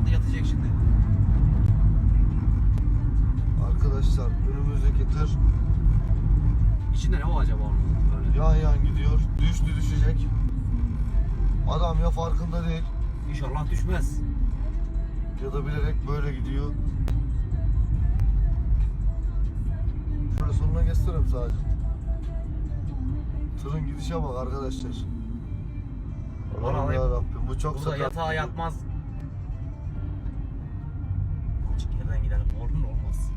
herhalde yatacak şimdi. Arkadaşlar önümüzdeki tır İçinde ne o acaba onun? Böyle. yan yan gidiyor. Düşecek. Adam ya farkında değil İnşallah düşmez. ya da bilerek böyle gidiyor. Şöyle sonuna göstereyim sadece. Tırın gidişe bak arkadaşlar. Aman Allah'ım alayım. yarabbim, bu çok Burada sakat. yatağa yatmaz. Açık yerden gidelim. Olur mu? Olmaz.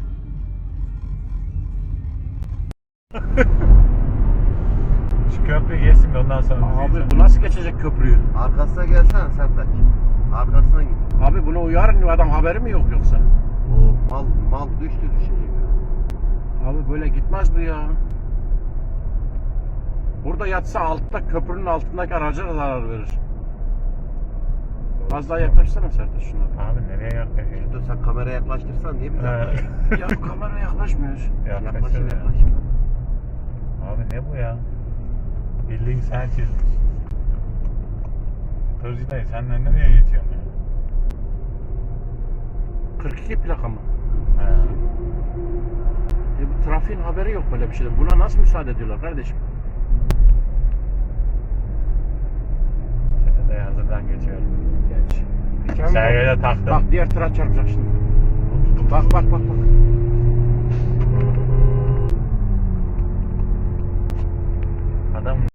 Şu köprüyü geçsin de ondan sonra Abi bu nasıl geçecek köprüyü? Arkasına gelsene Sertaç. Arkasına git. Abi bunu uyarın, adam haberi mi yok yoksa? O mal düştü düşecek. Abi böyle gitmez bu ya. Burada yatsa altta, köprünün altındaki araca da zarar verir. Az daha yaklaşsana Sertaç şuna. Abi nereye yaklaşıyor? Dur sen kameraya yaklaştırsan niye bize yaklaşıyorsun? Ya kamera yaklaşmıyor. Yaklaşır ya. yaklaşır. Abi ne bu ya? Bildiğin sen çizmiş. Hırcı dayı sen de nereye geçiyorsun ya? 42 plaka mı? He. Bu trafiğin haberi yok böyle bir şeyden. Buna nasıl müsaade ediyorlar kardeşim? Çete dayı hazırdan geçiyorum. Geç. Sergele taktım. Bak diğer tıra çarpacak şimdi. Bak. Adam